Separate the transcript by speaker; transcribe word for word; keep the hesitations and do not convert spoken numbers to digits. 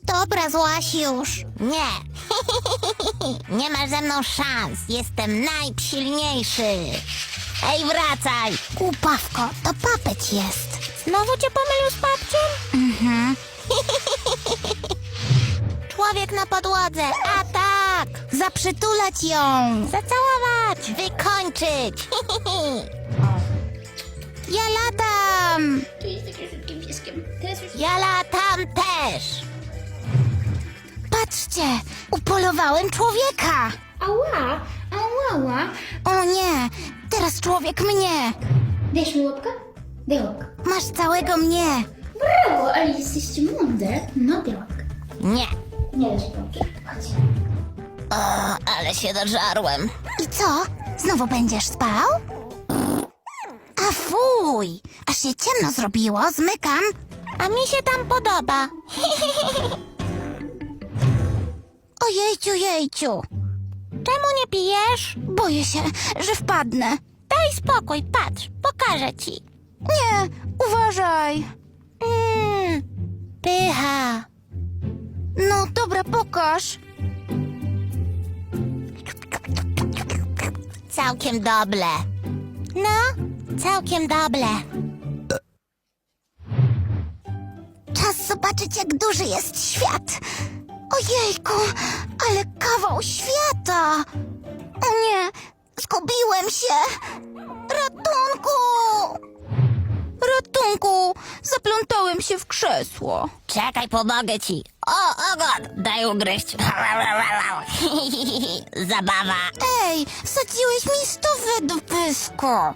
Speaker 1: Dobra, złaś już. Nie. Nie masz ze mną szans. Jestem najsilniejszy. Ej, wracaj. Głupawko, to papeć jest. Znowu cię pomylił z babcią? Mhm. Człowiek na podłodze. Atak! Zaprzytulać ją. Zacałować. Wykończyć. Ja latam.
Speaker 2: Tu jest takim szybkim pieskiem. Teraz już...
Speaker 1: Ja latam też. Patrzcie, upolowałem człowieka.
Speaker 2: Ała! Ała!
Speaker 1: O nie, teraz człowiek mnie.
Speaker 2: Dajesz mi łapkę? Daj łapkę.
Speaker 1: Masz całego mnie.
Speaker 2: Brawo, ale jesteście mądre. No daj łapkę.
Speaker 1: Nie.
Speaker 2: Nie dasz łapki. Chodź.
Speaker 1: O, ale się dożarłem. I co? Znowu będziesz spał? A fuj, aż się ciemno zrobiło, zmykam. A mi się tam podoba. Ojejciu, jejciu. Czemu nie pijesz? Boję się, że wpadnę. Daj spokój, patrz, pokażę ci. Nie, uważaj. Mm, pycha. No dobra, pokaż. Całkiem dobre. No, całkiem dobre. Czas zobaczyć, jak duży jest świat. Ojejku, ale kawał świata. O nie, zgubiłem się. Ratunku! Ratunku, zaplątałem się w krzesło. Czekaj, pomogę ci. O, ogon, daj ugryźć. Zabawa. Ej, wsadziłeś mi stówę do pysku.